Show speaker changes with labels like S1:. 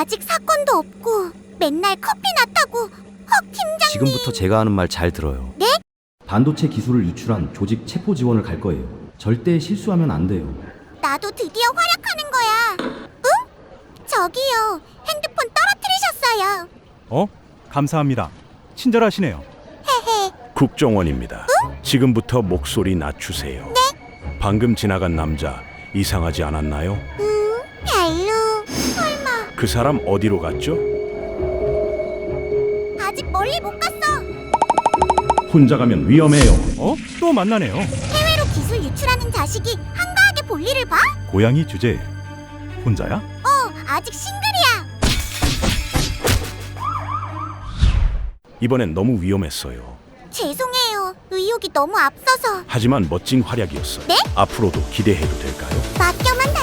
S1: 아직 사건도 없고 맨날 커피나 타고. 헉, 팀장님.
S2: 지금부터 제가 하는 말 잘 들어요.
S1: 네?
S2: 반도체 기술을 유출한 조직 체포 지원을 갈 거예요. 절대 실수하면 안 돼요.
S1: 나도 드디어 활약하는 거야. 응? 저기요, 핸드폰 떨어뜨리셨어요.
S3: 감사합니다. 친절하시네요.
S1: 헤헤.
S4: 국정원입니다. 지금부터 목소리 낮추세요.
S1: 네?
S4: 방금 지나간 남자 이상하지 않았나요?
S1: 별로. 설마.
S4: 그 사람 어디로 갔죠?
S1: 아직 멀리 못 갔어.
S4: 혼자 가면 위험해요.
S3: 또 만나네요.
S1: 해외로 기술 유출하는 자식이 한가하게 볼일을 봐?
S3: 고양이 주제. 혼자야?
S1: 아직 싱글이야.
S4: 이번엔 너무 위험했어요.
S1: 죄송해요. 의욕이 너무 앞서서.
S4: 하지만 멋진 활약이었어요.
S1: 네?
S4: 앞으로도 기대해도 될까요?
S1: 맡겨만